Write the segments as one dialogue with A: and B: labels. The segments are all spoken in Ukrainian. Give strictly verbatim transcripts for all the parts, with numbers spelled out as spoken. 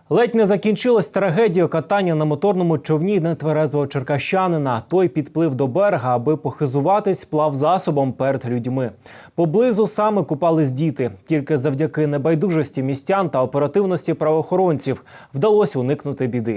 A: Ледь не закінчилась трагедією катання на моторному човні нетверезого черкащанина. Той підплив до берега, аби похизуватись плавзасобом перед людьми. Поблизу саме купались діти. Тільки завдяки небайдужості містян та оперативності правоохоронців вдалося уникнути біди.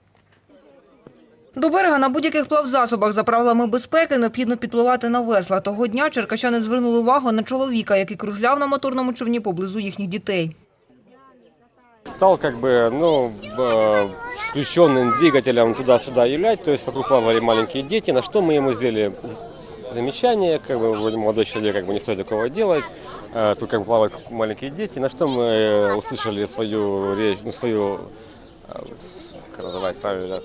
B: До берега на будь-яких плавзасобах за правилами безпеки необхідно підпливати на весла. Того дня черкащани звернули увагу на чоловіка, який кружляв на моторному човні поблизу їхніх дітей.
C: Стал как бы, ну, с включенным двигателем туда-сюда являть, то есть вокруг плавали маленькие дети, на что мы ему сделали замечание, как бы, вроде молодой человек, как бы не стоит такого делать, тут как бы плавают маленькие дети, на что мы услышали свою речь, ну, свою, как называется правильно,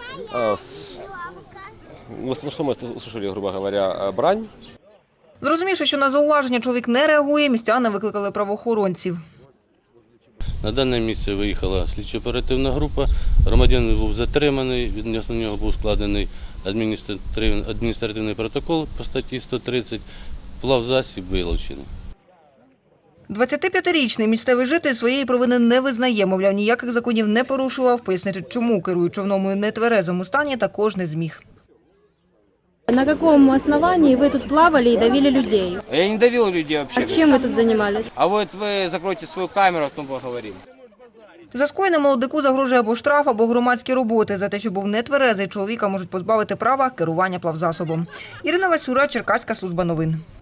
C: ну, что мы услышали, грубо говоря, брань.
B: Зрозумівши, що на зауваження чоловік не реагує, містяни викликали правоохоронців.
D: На дане місце виїхала слідчо-оперативна група, громадянин був затриманий, відносно нього був складений адміністративний, адміністративний протокол по статті сто тридцять, плавзасіб вилучений.
B: двадцятип'ятирічний місцевий житель своєї провини не визнає, мовляв, ніяких законів не порушував, пояснити, чому керує човном у нетверезому стані, також не зміг.
E: На каком основании вы тут плавали и давили людей?
F: Я не давил людей вообще.
E: А чем вы тут занимались?
F: А вот вы закройте свою камеру, потом поговорим.
B: За скоєне молодику загрожує або штраф, або громадські роботи. За те, що був нетверезий, чоловіка можуть позбавити права керування плавзасобом. Ірина Васюра, Черкаська служба новин.